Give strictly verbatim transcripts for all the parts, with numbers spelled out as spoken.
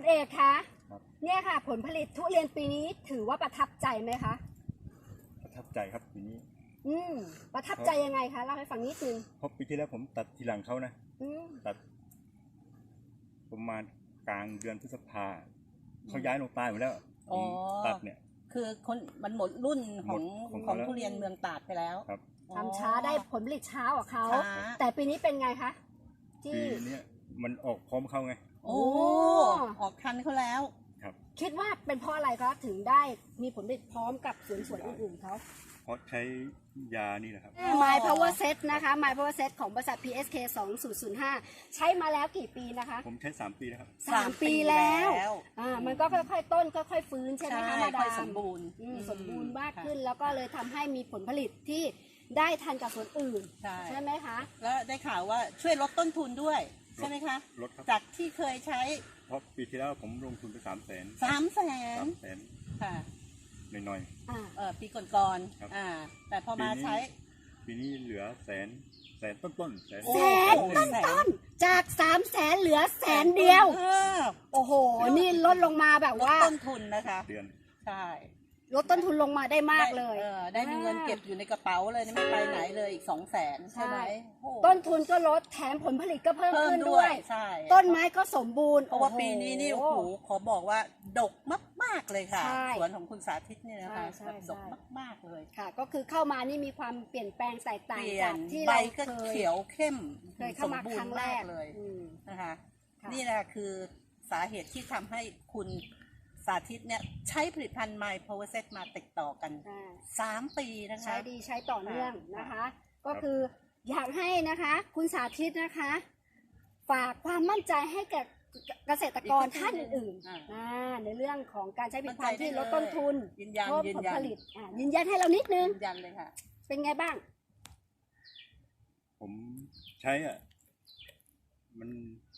เอกคะเนี่ยค่ะผลผลิตทุเรียนปีนี้ถือว่าประทับใจไหมคะประทับใจครับปีนี้อืมประทับใจยังไงคะเล่าให้ฟังนิดนึงเพราะปีที่แล้วผมตัดทีหลังเขานะตัดประมาณกลางเดือนพฤษภาเขาย้ายลงใต้หมดแล้วตัดเนี่ยคือคนมันหมดรุ่นของของทุเรียนเมืองตราดไปแล้วทำช้าได้ผลผลิตช้ากว่าเขาแต่ปีนี้เป็นไงคะปีนี้มันออกพร้อมเขาไงโอ้ออกทันเขาแล้วครับคิดว่าเป็นเพราะอะไรครับถึงได้มีผลผลิตพร้อมกับสวนสวนอื่นๆเขาเพราะใช้ยานี่แหละครับ My Power Set นะคะ My Power Set ของบริษัท พี เอส เค สองศูนย์ศูนย์ห้าใช้มาแล้วกี่ปีนะคะผมใช้สามปีแล้วครับสามปีแล้วอ่ามันก็ค่อยๆต้นค่อยๆฟื้นใช่ไหมคะมาดามสมบูรณ์สมบูรณ์มากขึ้นแล้วก็เลยทำให้มีผลผลิตที่ได้ทันกับสวนอื่นใช่ไหมคะแล้วได้ข่าวว่าช่วยลดต้นทุนด้วยใช่ไหมคะลดครับจากที่เคยใช้เพราะปีที่แล้วผมลงทุนไปสามแสนสามแสนสามแสนค่ะหน่อยๆเออปีก่อนๆอ่าแต่พอมาใช้ปีนี้เหลือแสนแสนต้นต้นแสนแสนต้นต้นจากสามแสนเหลือแสนเดียวโอ้โหนี่ลดลงมาแบบว่าต้นทุนนะคะเดือนใช่ลดต้นทุนลงมาได้มากเลยเออได้มีเงินเก็บอยู่ในกระเป๋าเลยไม่ไปไหนเลยอีกสองแสนใช่ไหมต้นทุนก็ลดแถมผลผลิตก็เพิ่มขึ้นด้วยใช่ต้นไม้ก็สมบูรณ์เพราะว่าปีนี้นี่โอ้โหขอบอกว่าดกมากๆเลยค่ะสวนของคุณสาธิตเนี่ยนะคะดกมากๆเลยค่ะก็คือเข้ามานี่มีความเปลี่ยนแปลงแตกต่างจากที่เราเคยเขียวเข้มเคยเข้ามาครั้งแรกเลยนะคะนี่แหละคือสาเหตุที่ทำให้คุณสาธิตเนี่ยใช้ผลิตภัณฑ์ My Power Set มาติดต่อกันสามปีนะคะใช้ดีใช้ต่อเนื่องนะคะก็คืออยากให้นะคะคุณสาธิตนะคะฝากความมั่นใจให้กับเกษตรกรท่านอื่นๆในเรื่องของการใช้ผลิตภัณฑ์ที่ลดต้นทุนเพิ่มผลผลิตยืนยันให้เรานิดนึงยืนยันเลยค่ะเป็นไงบ้างผมใช้อ่ะมัน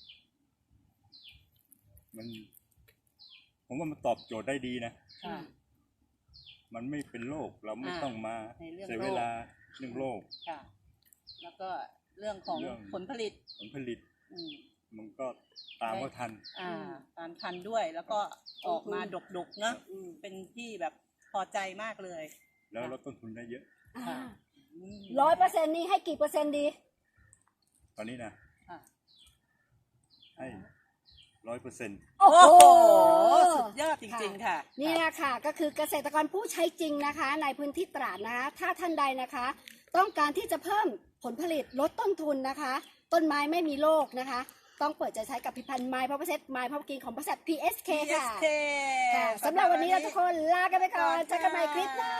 มันผมว่ามันตอบโจทย์ได้ดีนะมันไม่เป็นโรคเราไม่ต้องมาเสียเวลาเรื่องโรคแล้วก็เรื่องของผลผลิตผลผลิตมันก็ตามว่าทันตามทันด้วยแล้วก็ออกมาดกๆนะเป็นที่แบบพอใจมากเลยแล้วลดต้นทุนได้เยอะร้อยเปอร์เซ็นต์นี้ให้กี่เปอร์เซ็นต์ดีตอนนี้นะให้ร้อยเปอร์เซ็นต์โอ้โหสุดยอดจริงๆค่ะนี่นะค่ะก็คือเกษตรกรผู้ใช้จริงนะคะในพื้นที่ตราดนะคะถ้าท่านใดนะคะต้องการที่จะเพิ่มผลผลิตลดต้นทุนนะคะต้นไม้ไม่มีโรคนะคะต้องเปิดใจใช้กับผลิตภัณฑ์ My Power Set My Power Green ของบริษัท พี เอส เค ค่ะสำหรับวันนี้เราทุกคนลากันไปก่อนเจอกันใหม่คลิปหน้า